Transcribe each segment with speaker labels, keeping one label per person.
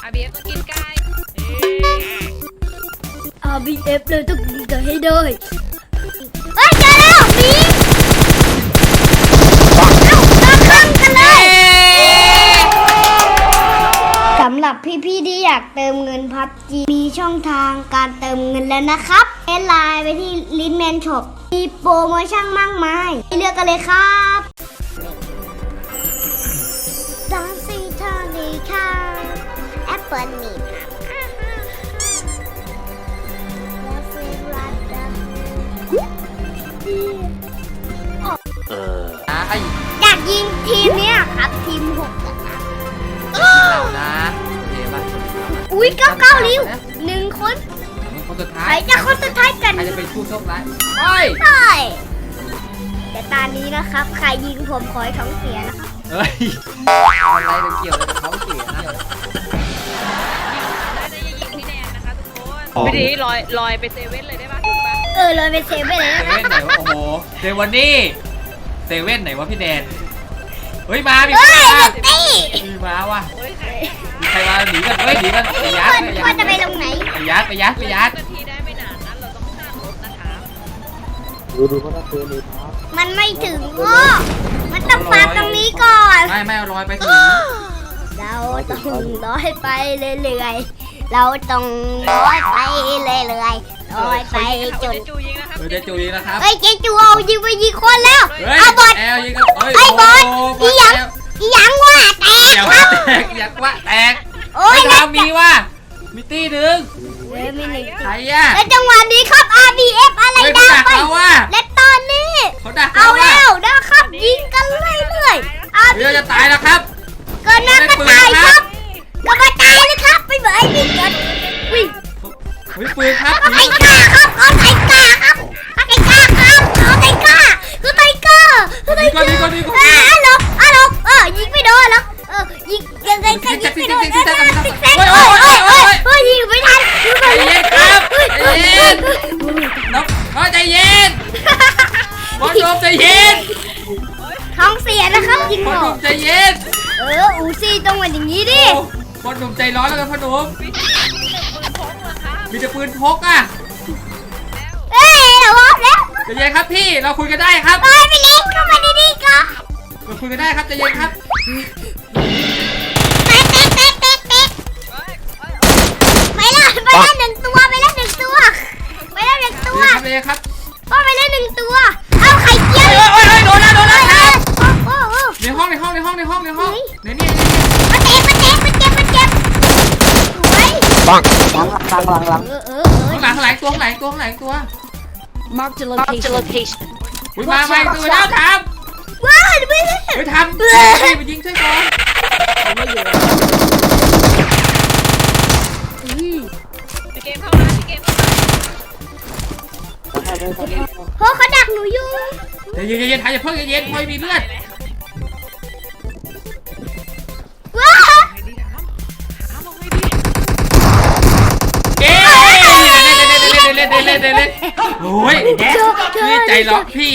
Speaker 1: RBF ต้องกินไก่
Speaker 2: RBF เลยต้องกินไก่ให้ได้เฮ้ยเจอแล้วมีเอาข้างกันเลยสำหรับพี่ๆที่อยากเติมเงิน PUBG มีช่องทางการเติมเงินแล้วนะครับแอดไลน์ไปที่ Linman Shop มีโปรโมชั่นมากมายเลือกกันเลยครับสองสี่เท่านี้ค่ะแอปเปิลนี่อยากยิงทีมเนี้ยครับทีม6นะครับ
Speaker 3: เรานะโอเคป่ะ
Speaker 2: อุ้ย9ริ้ว1 คน
Speaker 3: คนสุดท้าย
Speaker 2: ใครจะคนสุดท้ายกัน
Speaker 3: ใครจะเป็นผู้โชคร้าย
Speaker 2: ใช่แต่ตอนนี้นะครับใครยิงผมขอให้ท้องเสียนะครับ
Speaker 3: เฮ้ยอะไรเกี่ยวกับท้องเสียนะ
Speaker 1: ได้ยิงพี่แนนนะคะทุกคนไม่ดีลอยไปเซเว่นเลยได้ป่ะถูกป่ะ
Speaker 2: ลอยไปเซเว่นเลยนะ
Speaker 3: เซเว่นไหนวะโอ้โหเซเว่นนี่เซเว่นไหนวะพี่แดนเฮ้ยมามีมาวะมีใครมาหนีกันเฮ้ยหนีกันไปยัด
Speaker 2: ว่าจะไปลงไหน
Speaker 3: ไปยัด
Speaker 1: นาทีได้ไม่นานนั้นเราต้องข้ามรถนะคะ
Speaker 4: ดูเขาต้องเตือนเลยครับ
Speaker 2: มันไม่ถึงก็มันต้องฟาดตรงนี้ก่อน
Speaker 3: ไม่ลอยไปถึง
Speaker 2: เราต้องลอยไปเรื่อยๆเราต้องลอยไปเรื่อยๆลอยไปจน
Speaker 3: เจจูยิงนะครับ
Speaker 2: เฮ้ยเจจูเอายิงไปยิงคนแล้วเอาบอลไอ้บอลอีหยังว่าแตก
Speaker 3: อยากว่าแตกโอ้ยเรามีว่ามีตีหนึ่ง
Speaker 2: มีหนึ่ง
Speaker 3: ใครอ่ะ
Speaker 2: แล้วจังหวะนี้ครับ RBF อะไรดังไปและตอนนี้เอาแล้วนะครับยิงกันเรื่อยๆ
Speaker 3: เราจะตายแล้วครับ
Speaker 2: ก็น่าก็ตายครับก็มาตายเลยครับไปเหมือนยิงกันวิ่ง
Speaker 3: ปืนครับ
Speaker 2: เอาไทก้าครับเอาไทก้าครับเอาไทก้าครับเอาไทก้าคือไทก้าลบยิงไม่โดนหรอกยิงยังไงก็ยิงไม่โดนยิงไม่ทัน
Speaker 3: ใจเย็นครับใจเย็นน้องใจเย็นบอลโดมใจเย็น
Speaker 2: ท้องเสียนะครับยิงหมด
Speaker 3: ใจเย็น
Speaker 2: อูซี่ต้องมาอย่างนี้ดิ
Speaker 3: บอลโดมใจร้อนแล้วกันพ่อหนุ่มมีแต่ปืนพกอ่ะ
Speaker 2: เราบอกแล้ว
Speaker 3: ใจเย็นครับพี่เราคุยกันได้ครับ
Speaker 2: ไปเล็กเข้ามาดีๆก็
Speaker 3: เราคุยกันได้ครับใจเย็นครับ
Speaker 2: ไปแล้ว1 ตัวไปแล้ว1 ตัว
Speaker 3: ครับ
Speaker 2: พ่อไปแล้ว1 ตัวเอาไข่เจียว
Speaker 3: โดนแล้วครับในห้อง
Speaker 2: นี่
Speaker 3: มาเจ็บ
Speaker 2: สวย
Speaker 4: ปัง
Speaker 3: หลังตัว
Speaker 1: Mark the location
Speaker 3: มาตัวแล้วทำ
Speaker 2: ว้าว
Speaker 3: ไปทำไปยิงช่วยก่อน
Speaker 1: เกมเข้ามา
Speaker 2: เพราะเขาดักหนูอยู่
Speaker 3: เย็นๆอย่าเพิ่งเย็นๆพอยมีเลือด
Speaker 2: ว้าว
Speaker 3: เล่นโอ้ยพี่ใจร้อนพี่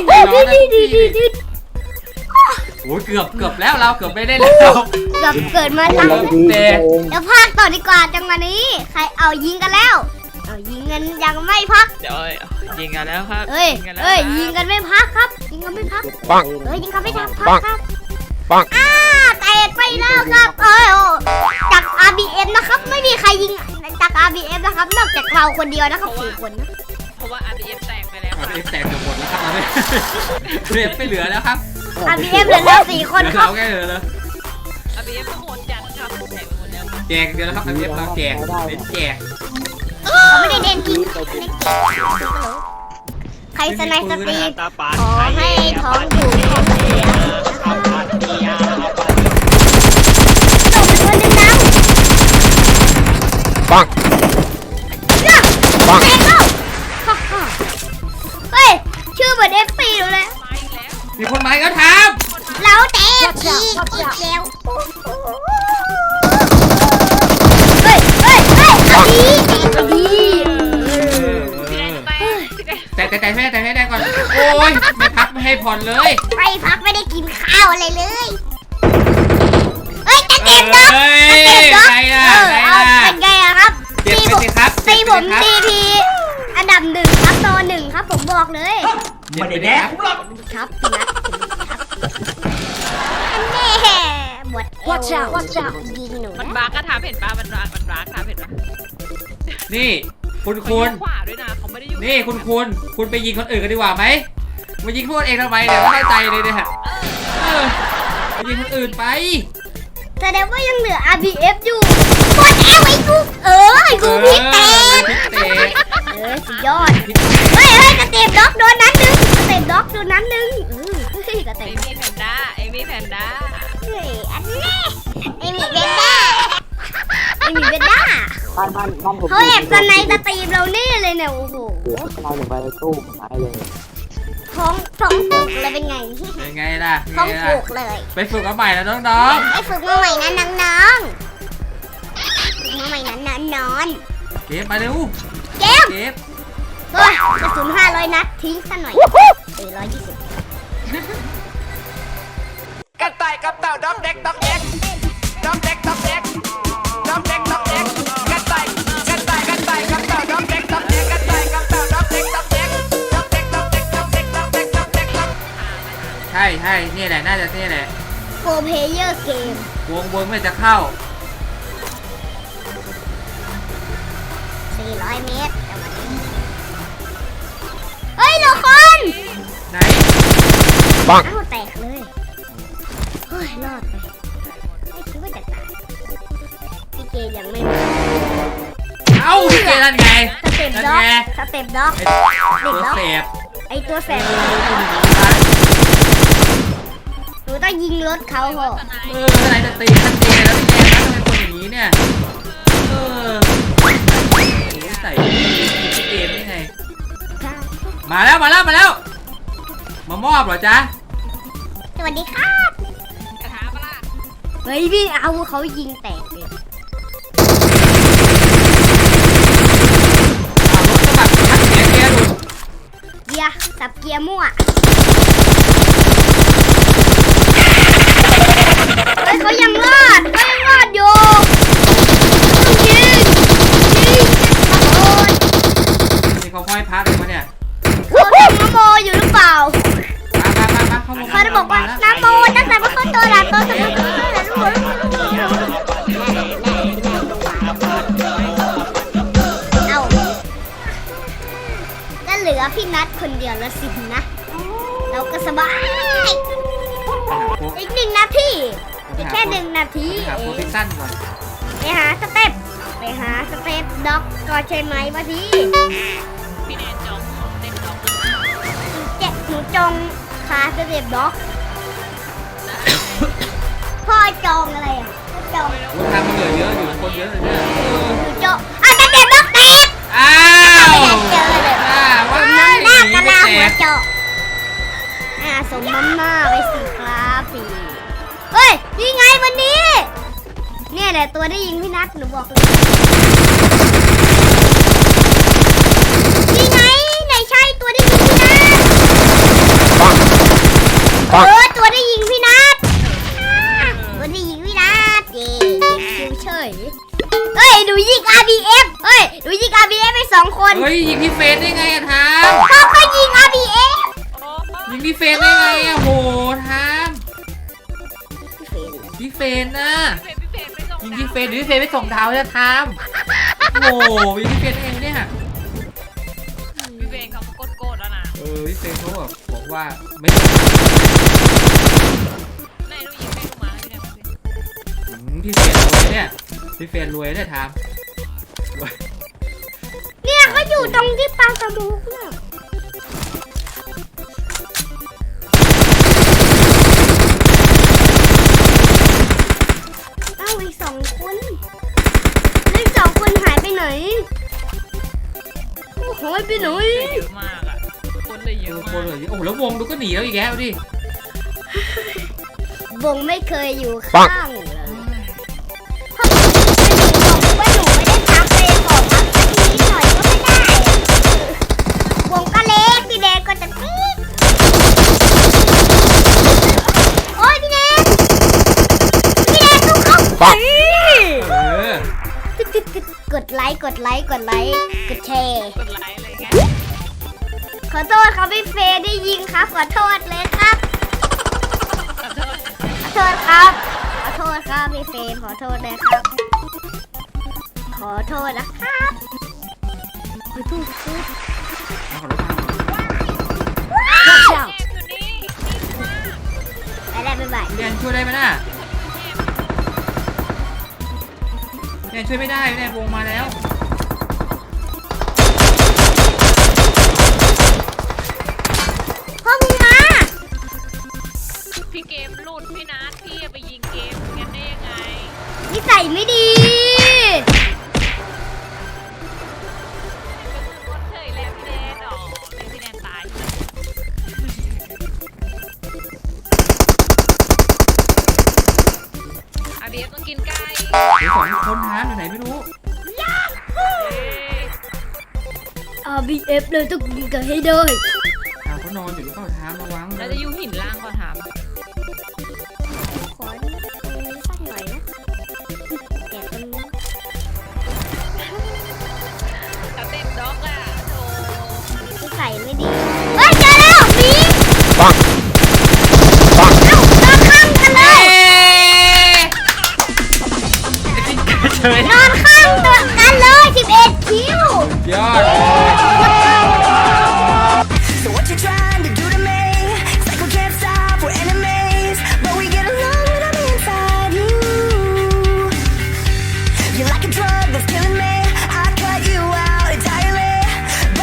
Speaker 3: โอ้ยเกือบแล้วเราเกือบไม่ได้แล้ว
Speaker 2: เกิดมาแล้วเดี๋ยวพักต่อดีกว่าจังหวะนี้ใครเอายิงกันแล้วยิงกันยังไม่พัก
Speaker 1: เดี๋ยวยิงกันแล้วครับ
Speaker 2: ยิงกันไม่พักครับยิงกันไม่พัก
Speaker 4: ปัง
Speaker 2: ยิงกันไม่พักครับแตกไปแล้วครับจาก RBF นะครับไม่มีใครยิงจาก RBF นะครับนอกจากเราคนเดียวนะครับ4 คนนะ
Speaker 1: เพราะว่า RBF แตกไปแล้ว
Speaker 3: RBF แตกหมดแล้วครับRBF ไม่เหลือแล้วครับ
Speaker 2: RBF เหลือแล้ว4 คนครับ
Speaker 3: แค่เหลือเลย
Speaker 1: RBF ก็หมดจัดครับแตกไปหมดแล้ว
Speaker 3: แจกเดียวแล้วครับ RBF เราแจก
Speaker 2: ไม่ได้เด่นจริงใครสไนสตรีขอให้ท้องถูกท้องเสีย
Speaker 4: ปัง
Speaker 2: เฮ้ยชื่อเหมือน FC เลย
Speaker 3: มีคนมาก็ท
Speaker 2: ำเราแตกอีกแล้ว
Speaker 3: แต่ให้ได้ก่อนโอ้ยไม่พักไม่ให้ผ่อนเลย
Speaker 2: ไม่พักไม่ได้กินข้าวอะไรเลยจะเจ็บเนาะ
Speaker 3: ใครล่ะ
Speaker 2: ผม DP อันดับ1ครับโต1ครับผมบอกเลย
Speaker 3: ไม่ได้แดก
Speaker 2: ครับพี่นัทแน่หมดเอวยิงหนู
Speaker 1: มัน
Speaker 2: นะ
Speaker 1: บาร์กก็ถามเห็นปะมันบาร์กถามเห็นปะ
Speaker 3: นี่คุณ
Speaker 1: เขาอยู่ขวาด้วยนะเขาไม่ได้อยู่
Speaker 3: นี่คุณไปยิงคนอื่นกันดีกว่าไหมมายิงพวกเองทำไมเนี่ยไม่เข้าใจเลยเนี่ยไปยิงคนอื่นไป
Speaker 2: แสดงว่ายังเหลือ RBF อยู่หมดเอวไอ้กูไอ้กูพี่เตน สุดยอดเฮ้ยกระเต็บด็อกโดนนั้นนึงกระเต็บด็อกโดนนั้นนึงกระ
Speaker 1: เอ
Speaker 2: เต็บ
Speaker 1: มี่แพนด้าเอมี่แพนด้า
Speaker 2: เฮ้ยอันนี้ไอหมีเบนด้า
Speaker 4: บ้านผม
Speaker 2: เขาแอบสไนสตรีมเราแน่เลยเนี่ยโอ้โห
Speaker 4: เสือสไนลงไปในตู้ตายเลย
Speaker 2: ท้องผูกเลยเป็นไง
Speaker 3: เป็นไงล่ะ
Speaker 2: ท้องผูกเลย
Speaker 3: ไปฝึกเอาใหม่แล้วน้อง
Speaker 2: ไอฝึกมาใหม่นะน้องๆฝึกมาใหม่นะน้อง
Speaker 3: ๆเก็บมาเร็ว
Speaker 2: ๆเกม
Speaker 3: เก็บ
Speaker 2: เฮ้ยกระสุน500 นัดทิ้งซะหน่อย120
Speaker 5: กระต่ายกับเต่าด็อกเด็กด็อกเด็กด็อกเด็กด็อกเด็กด็อกเด็กด็อกเด็กกระต่ายกับเต่าด็อกเด็กด็อกเด็กกระต่ายกับเต่าด็อกเด็กด็อกเด็กด็อกเด็กด็อกเด็กด็อกเด็กด็อกเด็กด็อกเด็ก
Speaker 3: ใช่นี่แหละน่าจะนี่แหละ
Speaker 2: โฟร์เพลเยอร์เกม
Speaker 3: วงไม่จะเข้า
Speaker 2: 400 เมตรจังหวะนี้เฮ้ยเหลือคน
Speaker 3: ไหน
Speaker 2: เอ้าแตกเลยเฮ้ยรอดไปไม่คิดว่าจะตายพี่เจยังไม่มา
Speaker 3: เอ้าพี่เจนั่นไง
Speaker 2: สเต็ป
Speaker 3: นั่น
Speaker 2: ด็อก
Speaker 3: ไง
Speaker 2: สเต็ปด็อก
Speaker 3: ไอ้
Speaker 2: เด็ก
Speaker 3: ตัว
Speaker 2: ด็อก
Speaker 3: เสพ
Speaker 2: ไอตัวแสบหนูต้องยิงรถเขาเหรอ
Speaker 3: อะไรจะตีชัดเจนแล้วพี่แกทำไมคนอย่างนี้เนี่ยใส่เกมได้ไงมาแล้วมามอบเหรอจ๊ะ
Speaker 2: สวัสดีครับ
Speaker 1: กระทะปะล่ะ
Speaker 2: เฮ้ยพี่เอาเขายิงแตกเลย
Speaker 3: รถกระบะทัดเสียเกียร์ดู
Speaker 2: เกียร์สับเกียร์มั่วเฮ้ยเขายังรอดอยู่ยิงขโมย
Speaker 3: นี่เขาห้อยพระเลยมาเนี่ย
Speaker 2: เขาทำน้ำโมอยู่หรือเปล่า
Speaker 3: มาเข้ามา
Speaker 2: เขาจะบอกว่าน้ำโมตั้งแต่ว่าเขาโตแล้วโตสมุนเอาก็เหลือพี่นัทคนเดียวแล้วสินะ เราก็สบายอีก1 นาทีอีกแค่1 นาที
Speaker 3: หา
Speaker 2: เอ
Speaker 3: โพ
Speaker 2: ง
Speaker 3: ซิชั่นก่อน
Speaker 2: ไปหาสเต็ปด็อกก็ใช่ไหมวะพี่
Speaker 1: พี่แนนจองเต็มจอง
Speaker 2: หนูจองคาสเต็ปด็อกพ่อจองอะไรอ่ะพ่อจอง
Speaker 3: รู้ทางมันเหลือเยอะอยู่คนเยอะเลยเนี่ย
Speaker 2: หนูจองสเต็ปด็อกแตก
Speaker 3: อ้าว
Speaker 2: เจอเลย
Speaker 3: ว่า
Speaker 2: หน้า
Speaker 3: ไม่
Speaker 2: กะลา
Speaker 3: แต
Speaker 2: หัว
Speaker 3: ก
Speaker 2: เจาะสมน้ำหน้าไปสิครับพี่เฮ้ยนี่ไงวันนี้ เนี่ยแหละตัวได้ยิงพี่นัทหนูบอกเลยนี่ไงไหนใช่ตัวได้ยิงพี่นัทตัวได้ยิงพี่นัทตัวได้ยิงพี่นัทเย่คิวเฉยเฮ้ยหนูยิง RBF เฮ้ยหนูยิง RBF ไป2 คน
Speaker 3: เฮ้ยยิงพี่เฟนได้ไงอะทาม
Speaker 2: เขาก็ยิง RBF
Speaker 1: โอ้
Speaker 3: ยิงพี่เฟนได้ไงอะโหทามพี่เฟนนะ
Speaker 1: พี่เฟนไม่ส่ง
Speaker 3: ยิงพี่เฟนหรือพี่เฟนไปส่งดาวจะทามโอ้ยิงพี่เฟนได้ไงเนี่ย
Speaker 1: พี่เฟนเขาโกรธแล้วนะ
Speaker 3: พี่เฟนเขาแบบบอกว่าไม่
Speaker 1: ไหนดูยิงไม่ดูมาพี่แนน
Speaker 3: พี่เฟนรวยเนี่ยพี่เฟนรวยเนี่ยทาม
Speaker 2: เนี่ยเขาอยู่ตรงที่ปลาสมุกเนี่ยเอ้าอีก2 คนแล้วอีก2 คนหายไปไหนโอ้หายไปไหน
Speaker 1: เยอะมากอ่ะคนเลยเยอะ
Speaker 3: ค
Speaker 1: มาน ก
Speaker 3: เลยโอ้แล้ววงดูก็หนีแล้วอีกแล้วดิ
Speaker 2: วงไม่เคยอยู่ข้างเลยถ้าผมไม่ได้บอกว่าหนูไม่ได้พักเลยขอพักสักนิดหน่อยก็ไม่ได้วงก็เล็กพี่แดงก็จะปี๊ดโอ้ยพี่แดงสู้เขา
Speaker 3: เออ
Speaker 2: ตึ๊ดกดไลค์ กดแชร์
Speaker 1: กดไลค์อะไรเงี้ย
Speaker 2: ขอโทษครับพี่เฟย์ได้ยิงครับ ขอโทษเลยครับ ขอโทษครับ ขอโทษครับพี่เฟย์ขอโทษเลยครับ ขอโทษนะครับขอโทษครับ
Speaker 3: เอาขอรถมา
Speaker 1: อยู่นี่
Speaker 2: ไปแล้วบ๊ายบาย
Speaker 3: พี่แดนช่วยได้ไหมน่ะพี่แดนช่วยไม่ได้พี่แดนวงมาแล้ว
Speaker 2: พ่อมึงมา
Speaker 1: พี่เกมหลุดพี่นัทพี่ไปยิงเกมงั้นได้ยังไง
Speaker 2: นิสัยไม่ดี
Speaker 1: ก็เฉยแล้วพี่แดนอ๋อพี่แดนตายอาเบียต้องกินไก่
Speaker 3: เดี๋ยว2 คนหาอยู่ไหนไม่รู้
Speaker 2: RBF เลยต้องยิงกันให้ได้
Speaker 3: ถามเขานอนอยู่หรือเปล่าถามระวัง
Speaker 1: เราจะอยู่หินล่างก่อนถาม